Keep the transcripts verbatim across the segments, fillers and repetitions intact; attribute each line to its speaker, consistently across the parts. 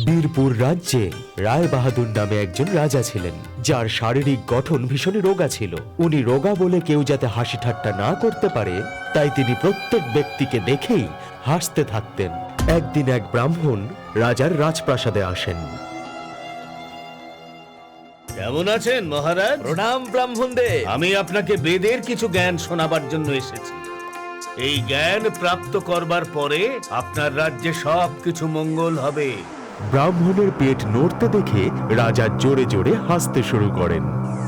Speaker 1: বীরপুর রাজ্যে রায় বাহাদুর নামে একজন রাজা ছিলেন, যার শারীরিক গঠন ভীষণ রোগা ছিল। উনি রোগা বলে কেউ যাতে হাসি ঠাট্টা না করতে পারে, তাই তিনি প্রত্যেক ব্যক্তিকে দেখেই হাসতে থাকতেন। একদিন এক ব্রাহ্মণ রাজার রাজপ্রাসাদে আসেন।
Speaker 2: কেমন আছেন মহারাজ?
Speaker 3: প্রণাম ব্রাহ্মণদের।
Speaker 2: আমি আপনাকে বেদের কিছু জ্ঞান শোনাবার জন্য এসেছি। এই জ্ঞান প্রাপ্ত করবার পরে আপনার রাজ্যে সবকিছু মঙ্গল হবে।
Speaker 1: ব্রাহ্মণের পেট নড়তে দেখে রাজা জোরে জোরে হাসতে শুরু করেন।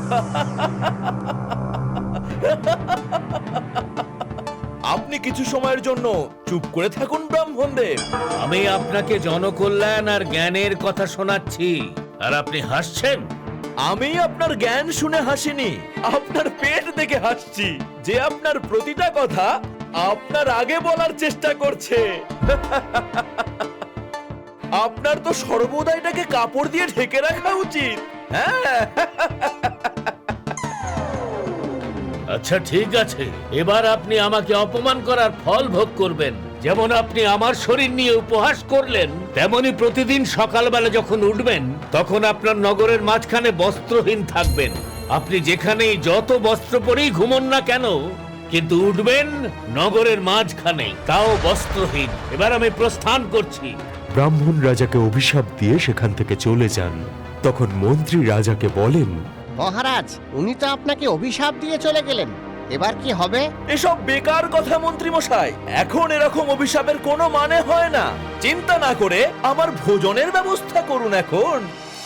Speaker 3: আপনি কিছু সময়ের জন্য চুপ করে থাকুন ব্রাহ্মণদের।
Speaker 2: আমি আপনাকে জনকল্যাণ আর জ্ঞানের কথা শোনাচ্ছি, আর আপনি হাসছেন।
Speaker 3: আমি আপনার জ্ঞান শুনে হাসিনি, আপনার পেট দেখে হাসছি, যে আপনার প্রতিটা কথা আপনার আগে বলার চেষ্টা করছে। আপনার তো সর্বদা এটাকে কাপড় দিয়ে ঢেকে রাখা উচিত। হ্যাঁ,
Speaker 2: আচ্ছা ঠিক আছে, এবার আপনি আমাকে অপমান করার ফল ভোগ করবেন। যেমন আপনি আমার শরীর নিয়ে উপহাস করলেন, তেমনি প্রতিদিন সকালবেলা যখন উঠবেন তখন আপনার নগরের মাঝখানে বস্ত্রহীন থাকবেন। আপনি যেখানেই যত বস্ত্র পরেই ঘুমন না কেন, কিন্তু উঠবেন নগরের মাঝখানে, তাও বস্ত্রহীন। এবার আমি প্রস্থান করছি।
Speaker 1: ব্রাহ্মণ রাজাকে অভিশাপ দিয়ে সেখান থেকে চলে যান। তখন মন্ত্রী রাজাকে বলেন,
Speaker 4: মহারাজ, উনি তো আপনাকে অভিশাপ দিয়ে চলে গেলেন, এবার কি হবে?
Speaker 3: এসব বেকার কথা মন্ত্রী মশাই। এখন এরকম অভিশাপের কোনো মানে হয় না। চিন্তা না করে আমার ভোজনের ব্যবস্থা করুন এখন।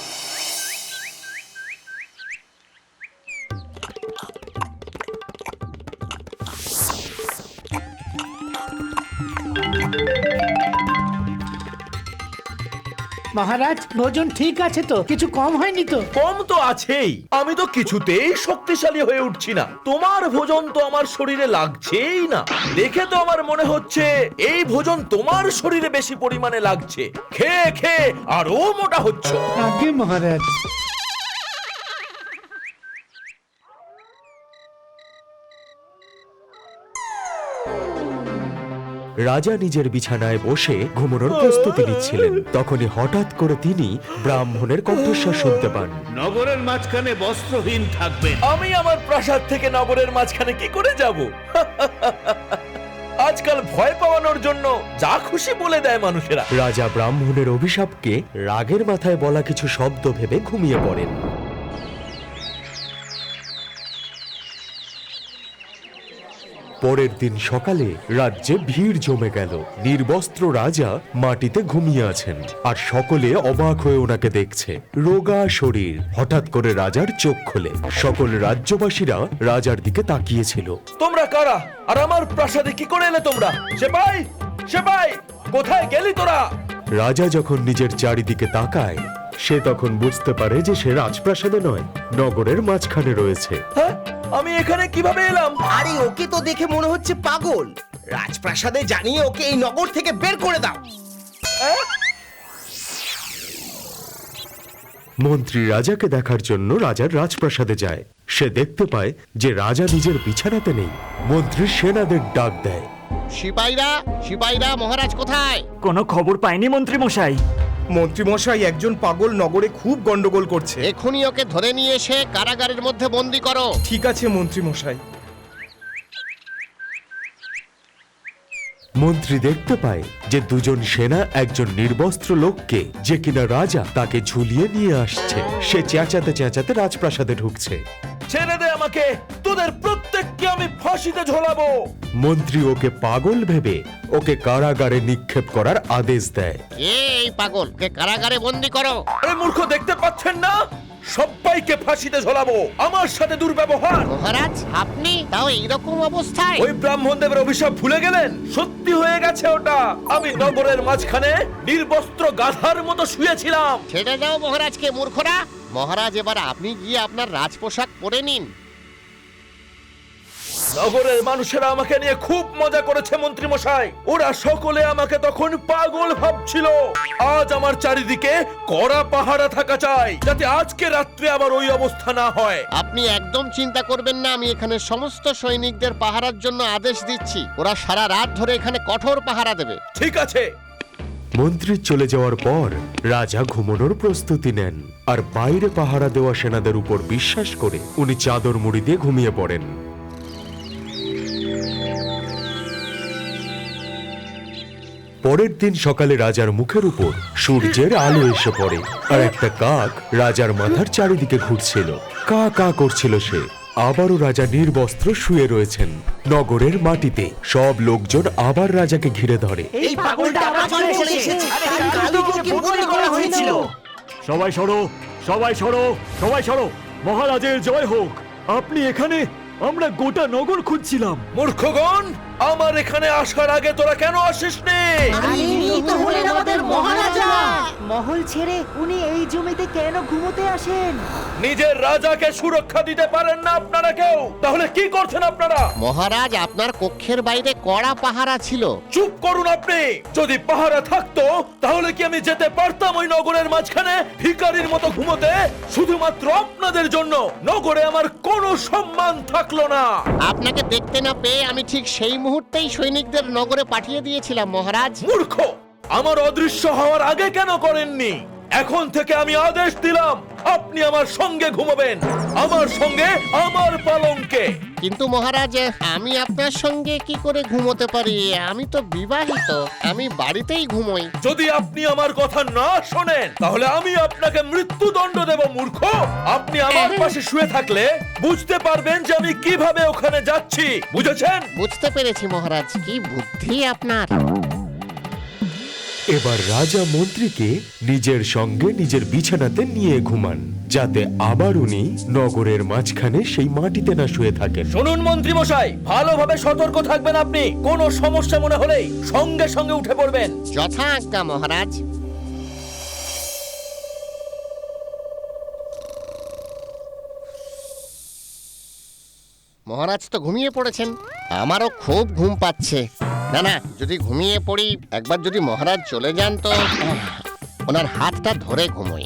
Speaker 5: মহারাজ, ভোজন ঠিক আছে তো? কিছু কম হয়নি তো?
Speaker 3: কম তো আছেই। আমি তো কিছুতেই শক্তিশালী হয়ে উঠছি না। তোমার ভোজন তো আমার শরীরে লাগছেই না। দেখে তো আমার মনে হচ্ছে এই ভোজন তোমার শরীরে বেশি পরিমাণে লাগছে। খেয়ে খেয়ে আরো মোটা হচ্ছ।
Speaker 5: আগে মহারাজ।
Speaker 1: রাজা নিজের বিছানায় বসে ঘুমানোর প্রস্তুতি নিচ্ছিলেন। তখনই হঠাৎ করে তিনি ব্রাহ্মণের কণ্ঠস্বর শুনতে পান।
Speaker 2: নগরের মাঝখানে বস্ত্রহীন থাকবেন।
Speaker 3: আমি আমার প্রাসাদ থেকে নগরের মাঝখানে কি করে যাব? আজকাল ভয় পাওয়ানোর জন্য যা খুশি বলে দেয় মানুষেরা।
Speaker 1: রাজা ব্রাহ্মণের অভিশাপকে রাগের মাথায় বলা কিছু শব্দ ভেবে ঘুমিয়ে পড়েন। পরের দিন সকালে রাজ্যে ভিড় জমে গেল। নির্বস্ত্র রাজা মাটিতে ঘুমিয়ে আছেন, আর সকলে অবাক হয়ে ওনাকে দেখছে। রোগা শরীর। হঠাৎ করে রাজার চোখ খোলে। সকল রাজ্যবাসীরা রাজার দিকে তাকিয়েছিল।
Speaker 3: তোমরা কারা, আর আমার প্রাসাদে কি করে এলে তোমরা? সেপাই, সেপাই, কোথায় গেলি তোরা?
Speaker 1: রাজা যখন নিজের চারিদিকে তাকায়, সে তখন বুঝতে পারে যে সে রাজপ্রাসাদে নয়, নগরের মাঝখানে রয়েছে।
Speaker 3: হ্যাঁ, আমি এখানে কিভাবে এলাম?
Speaker 6: আরে ওকে তো দেখে মনে হচ্ছে পাগল। রাজপ্রাসাদে জানিয়ে ওকে এই নগর থেকে বের করে দাও।
Speaker 1: মন্ত্রী রাজাকে দেখার জন্য রাজার রাজপ্রাসাদে যায়। সে দেখতে পায় যে রাজা নিজের বিছানাতে নেই। মন্ত্রী সেনাদের ডাক দেয়।
Speaker 4: সিপাইরা, সিপাইরা, মহারাজ কোথায়?
Speaker 7: কোনো খবর পাইনি মন্ত্রী মশাই।
Speaker 6: মন্ত্রী মশাই, একজন পাগল নগরে খুব গন্ডগোল করছে।
Speaker 4: এখনই ওকে ধরে নিয়ে এসে কারাগারের মধ্যে বন্দি করো।
Speaker 6: ঠিক আছে মন্ত্রী মশাই।
Speaker 1: মন্ত্রী দেখতে পায় যে দুজন সেনা একজন নির্বস্ত্র লোককে, যে কিনা রাজা, তাকে ঝুলিয়ে নিয়ে আসছে। সে চেঁচাতে চেঁচাতে রাজপ্রাসাদে ঢুকছে।
Speaker 3: ছেড়ে দে আমাকে, তোদের প্রত্যেককে আমি ফাঁসিতে ঝোলাবো।
Speaker 1: মন্ত্রী ওকে পাগল ভেবে ওকে কারাগারে নিক্ষেপ করার আদেশ দেয়।
Speaker 4: কে এই পাগল? ওকে কারাগারে বন্দি করো।
Speaker 3: এই মূর্খ, দেখতে পাচ্ছেন না সবাইকে ফাঁসিতে ঝোলাবো? আমার সাথে দুর্ব্যবহার।
Speaker 4: মহারাজ, আপনি তাও এইরকম অবস্থায়?
Speaker 3: ওই ব্রাহ্মণ দেবের অভিশাপ ভুলে গেলেন? সত্যি হয়ে গেছে ওটা। আমি নগরের মাঝখানে নির্বস্ত্র গাধার মতো শুয়েছিলাম।
Speaker 4: ছেড়ে দাও মহারাজকে, মূর্খরা। মহারাজ, এবার আপনি গিয়ে আপনার রাজপোশাক পরে নিন।
Speaker 3: নগরের মানুষেরা আমাকে নিয়ে খুব মজা করেছে মন্ত্রী মশাই। ওরা সকলে আমাকে তখন পাগল ভাবছিল। আজ আমার চারিদিকে কড়া পাহারা থাকা চাই, যাতে আজকে রাত্রে আবার ওই অবস্থা না হয়।
Speaker 4: আপনি একদম চিন্তা করবেন না, আমি এখানে সমস্ত সৈনিকদের পাহারার জন্য আদেশ দিচ্ছি। ওরা সারা রাত ধরে এখানে কঠোর পাহারা দেবে।
Speaker 3: ঠিক আছে,
Speaker 1: মন্ত্রী চলে যাওয়ার পর রাজা ঘুমানোর প্রস্তুতি নেন, আর বাইরে পাহারা দেওয়া সেনাদের উপর বিশ্বাস করে উনি চাদর মুড়ি দিয়ে ঘুমিয়ে পড়েন। পরের দিন সকালে রাজার মুখের উপর সূর্যের আলো এসে পড়ে, আর একটা কাক রাজার মাথার চারিদিকে ঘুরছিল। কা কা করছিল সে। আবারও রাজা নির্বস্ত্র শুয়ে রয়েছেন নগরের মাটিতে। সব লোকজন আবার রাজাকে ঘিরে ধরে।
Speaker 6: এই পাগলটা আবার চলে এসেছে। আরে কালুকে কি বন্দি করা হয়েছিল?
Speaker 7: সবাই সরো, সবাই সরো, সবাই সরো। মহারাজের জয় হোক। আপনি এখানে? আমরা গোটা নগর খুঁজছিলাম।
Speaker 3: মূর্খগণ, আমার এখানে আসার আগে তোরা কেন আসিসনি?
Speaker 8: মহল ছেড়ে উনি এই জমিতে কেন ঘুমোতে আসেন?
Speaker 3: নিজের রাজাকে সুরক্ষা দিতে পারেন না আপনারা কেউ? তাহলে কি করছেন আপনারা?
Speaker 4: মহারাজ, আপনার কক্ষের বাইরে কড়া পাহারা ছিল।
Speaker 3: চুপ করুন আপনি। যদি পাহারা থাকতো তাহলে কি আমি যেতে পারতাম ওই নগরের মাঝখানে ভিখারির মতো ঘুমোতে? শুধুমাত্র আপনাদের জন্য নগরে আমার কোনো সম্মান থাকলো না।
Speaker 4: আপনাকে দেখতে না পেয়ে আমি ঠিক সেই মুহূর্তেই সৈনিকদের নগরে পাঠিয়ে দিয়েছিলাম মহারাজ।
Speaker 3: মূর্খ, আমার অদৃশ্য হওয়ার আগে কেন করেননি? এখন থেকে আমি আদেশ দিলাম, আপনি আমার সঙ্গে ঘুমাবেন, আমার সঙ্গে, আমার পালঙ্কে।
Speaker 4: কিন্তু মহারাজ, আমি আপনার সঙ্গে কি করে ঘুমোতে পারি? আমি তো বিবাহিত, আমি বাড়িতেই ঘুমোই।
Speaker 3: যদি আপনি আমার কথা না শোনেন তাহলে আমি আপনাকে মৃত্যুদণ্ড দেব। মূর্খ, আপনি আমার পাশে শুয়ে থাকলে বুঝতে পারবেন যে আমি কিভাবে ওখানে যাচ্ছি। বুঝেছেন?
Speaker 4: বুঝতে পেরেছি মহারাজ, কি বুদ্ধি আপনার।
Speaker 1: এবার রাজা মন্ত্রীকে নিজের সঙ্গে নিজের বিছানাতে নিয়ে ঘুমান, যাতে আবার উনি নগরের মাঝখানে সেই মাটিতে না শুয়ে থাকেন।
Speaker 3: শুনুন মন্ত্রী মশাই, ভালোভাবে সতর্ক থাকবেন। আপনি কোনো সমস্যা মনে হলেই সঙ্গে সঙ্গে উঠে পড়বেন।
Speaker 4: যথা আজ্ঞা মহারাজ। মহারাজ তো ঘুমিয়ে পড়েছেন। আমারও খুব ঘুম পাচ্ছে। না না, যদি ঘুমিয়ে পড়ি, একবার যদি মহারাজ চলে যান তো ওনার হাতটা ধরে ঘুমোই।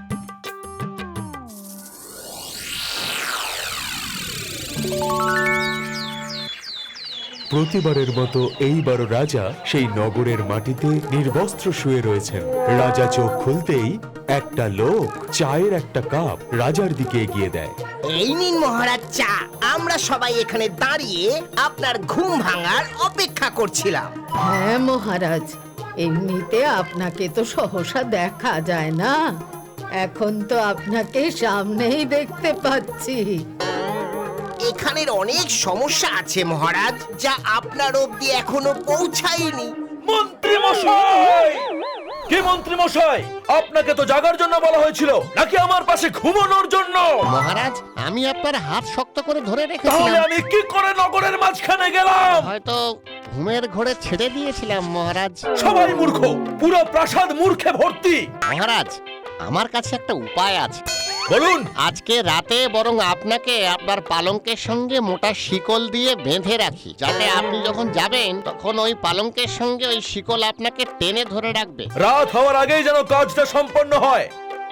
Speaker 1: প্রতিবারের মতো এইবারও রাজা সেই নগরের মাটিতে নির্বস্ত্র শুয়ে রয়েছেন। রাজা চোখ খুলতেই একটা লোক চায়ের একটা কাপ রাজার দিকে এগিয়ে দেয়।
Speaker 6: এই নিন মহারাজ চা। আমরা সবাই এখানে দাঁড়িয়ে আপনার ঘুম ভাঙার অপেক্ষা করছিলাম।
Speaker 9: হ্যাঁ মহারাজ, এমনিতে আপনাকে তো সহসা দেখা যায় না, এখন তো আপনাকে সামনেই দেখতে পাচ্ছি।
Speaker 6: এখানের অনেক সমস্যা আছে মহারাজ, যা আপনার অবধি এখনো পৌঁছায়নি।
Speaker 3: মন্ত্রী মশাই! কি মন্ত্রী মশাই, আপনাকে তো জাগার জন্য বলা হয়েছিল, নাকি আমার পাশে ঘুমানোর জন্য?
Speaker 4: মহারাজ, আমি আপনার হাত শক্ত করে ধরে
Speaker 3: তাহলে
Speaker 4: রেখেছিলাম।
Speaker 3: আমি কি করে নগরের মাঝখানে গেলাম?
Speaker 4: হয়তো ঘুমের ঘোরে ছেড়ে দিয়েছিলাম মহারাজ।
Speaker 3: সবাই মূর্খ, পুরো প্রাসাদ মূর্খে ভর্তি।
Speaker 4: মহারাজ, আমার কাছে একটা উপায় আছে।
Speaker 3: বলুন।
Speaker 4: আজকে রাতে বরং আপনাকে আপনার পালঙ্কের সঙ্গে মোটা শিকল দিয়ে বেঁধে রাখি, যাতে আপনি যখন যাবেন তখন ওই পালঙ্কের সঙ্গে ওই শিকল আপনাকে টেনে ধরে রাখবে।
Speaker 3: রাত হওয়ার আগেই যেন কাজটা সম্পন্ন হয়।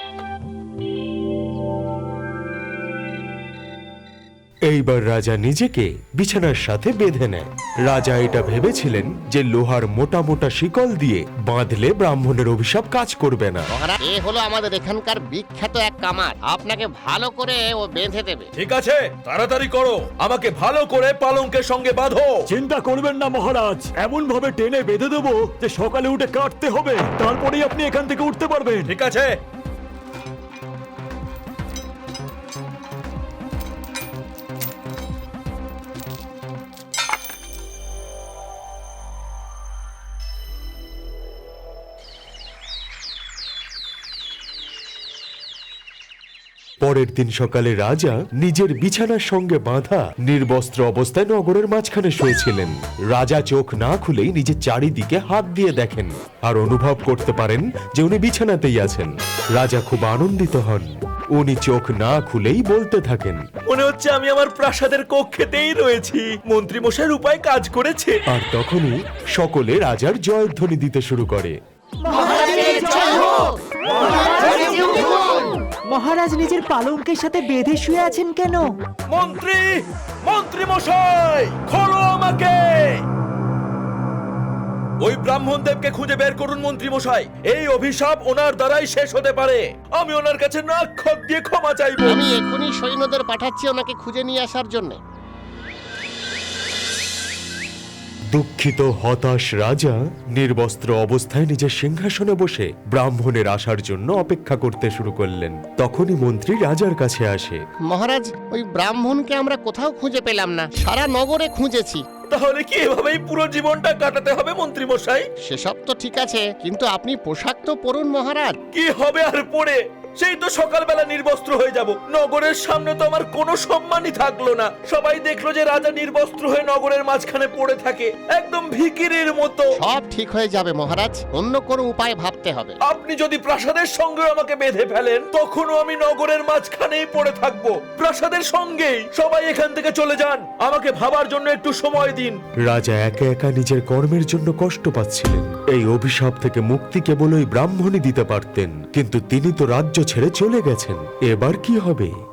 Speaker 1: এইবার রাজা নিজেকে বিছানার সাথে বেঁধে নেয়। রাজা এটা ভেবেছিলেন যে লোহার মোটা মোটা শিকল দিয়ে বাঁধলে ব্রাহ্মণের অভিশাপ কাজ করবে না।
Speaker 4: মহারাজ, এ হলো আমাদের এখানকার বিখ্যাত এক কামার, আপনাকে ভালো করে ও বেঁধে দেবে।
Speaker 3: ঠিক আছে, তাড়াতাড়ি করো, আমাকে ভালো করে পালঙ্কের সঙ্গে বাঁধো।
Speaker 7: চিন্তা করবেন না মহারাজ, এমন ভাবে টেনে বেঁধে দেবো যে সকালে উঠে কাটতে হবে, তারপরেই আপনি এখান থেকে উঠতে পারবেন।
Speaker 3: ঠিক আছে।
Speaker 1: পরের দিন সকালে রাজা নিজের বিছানার সঙ্গে বাঁধা নির্বস্ত্র অবস্থায় নগরের মাঝখানে শুয়েছিলেন। রাজা চোখ না খুলেই নিজের চারিদিকে হাত দিয়ে দেখেন আর অনুভব করতে পারেন যে উনি বিছানাতেই আছেন। রাজা খুব আনন্দিত হন। উনি চোখ না খুলেই বলতে থাকেন,
Speaker 3: মনে হচ্ছে আমি আমার প্রাসাদের কক্ষেতেই রয়েছি। মন্ত্রী মশাইয়ের উপায় কাজ করেছে।
Speaker 1: আর তখনই সকলে রাজার জয়ধ্বনি দিতে শুরু করে।
Speaker 8: মহারাজ নিজের পালঙ্কের সাথে বেঁধে শুয়ে আছেন কেন?
Speaker 3: মন্ত্রী, মন্ত্রী মশাই, খোলো আমাকে। ওই ব্রাহ্মণ দেবকে খুঁজে বের করুন মন্ত্রী মশাই। এই অভিশাপ ওনার দ্বারাই শেষ হতে পারে। আমি ওনার কাছে নাক খত দিয়ে ক্ষমা চাইবো।
Speaker 4: আমি এখনই সৈন্যদের পাঠাচ্ছি ওনাকে খুঁজে নিয়ে আসার জন্য।
Speaker 1: দুঃখিত হতাশ রাজা নির্বস্ত্র অবস্থায় নিজের সিংহাসনে বসে ব্রাহ্মণের আসার জন্য অপেক্ষা করতে শুরু করলেন। তখনই মন্ত্রী রাজার কাছে আসে।
Speaker 4: মহারাজ, ওই ব্রাহ্মণকে আমরা কোথাও খুঁজে পেলাম না, সারা নগরে খুঁজেছি।
Speaker 3: তাহলে কি এভাবেই পুরো জীবনটা কাটাতে হবে মন্ত্রী মশাই?
Speaker 4: সেসব তো ঠিক আছে, কিন্তু আপনি পোশাক তো পরুন মহারাজ।
Speaker 3: কি হবে আর পড়ে? সেই তো সকালবেলা নির্বস্ত্র হয়ে যাব। নগরের সামনে তো আমার কোনো সম্মানই থাকলো না। সবাই দেখলো যে রাজা নির্বস্ত্র হয়ে নগরের মাঝখানে পড়ে থাকে, একদম ভিখিরির মতো।
Speaker 4: সব ঠিক হয়ে যাবে মহারাজ, অন্য কোনো উপায় ভাবতে হবে।
Speaker 3: আপনি যদি প্রাসাদের সঙ্গে আমাকে বেঁধে ফেলেন, তখনও আমি নগরের মাঝখানেই পড়ে থাকবো, প্রাসাদের সঙ্গেই। সবাই এখান থেকে চলে যান, আমাকে ভাবার জন্য একটু সময় দিন।
Speaker 1: রাজা একা একা নিজের কর্মের জন্য কষ্ট পাচ্ছিলেন। এই অভিশাপ থেকে মুক্তি কেবল ওই ব্রাহ্মণই দিতে পারতেন, কিন্তু তিনি তো রাজ্য ছেড়ে চলে গেছেন। এবার কি হবে?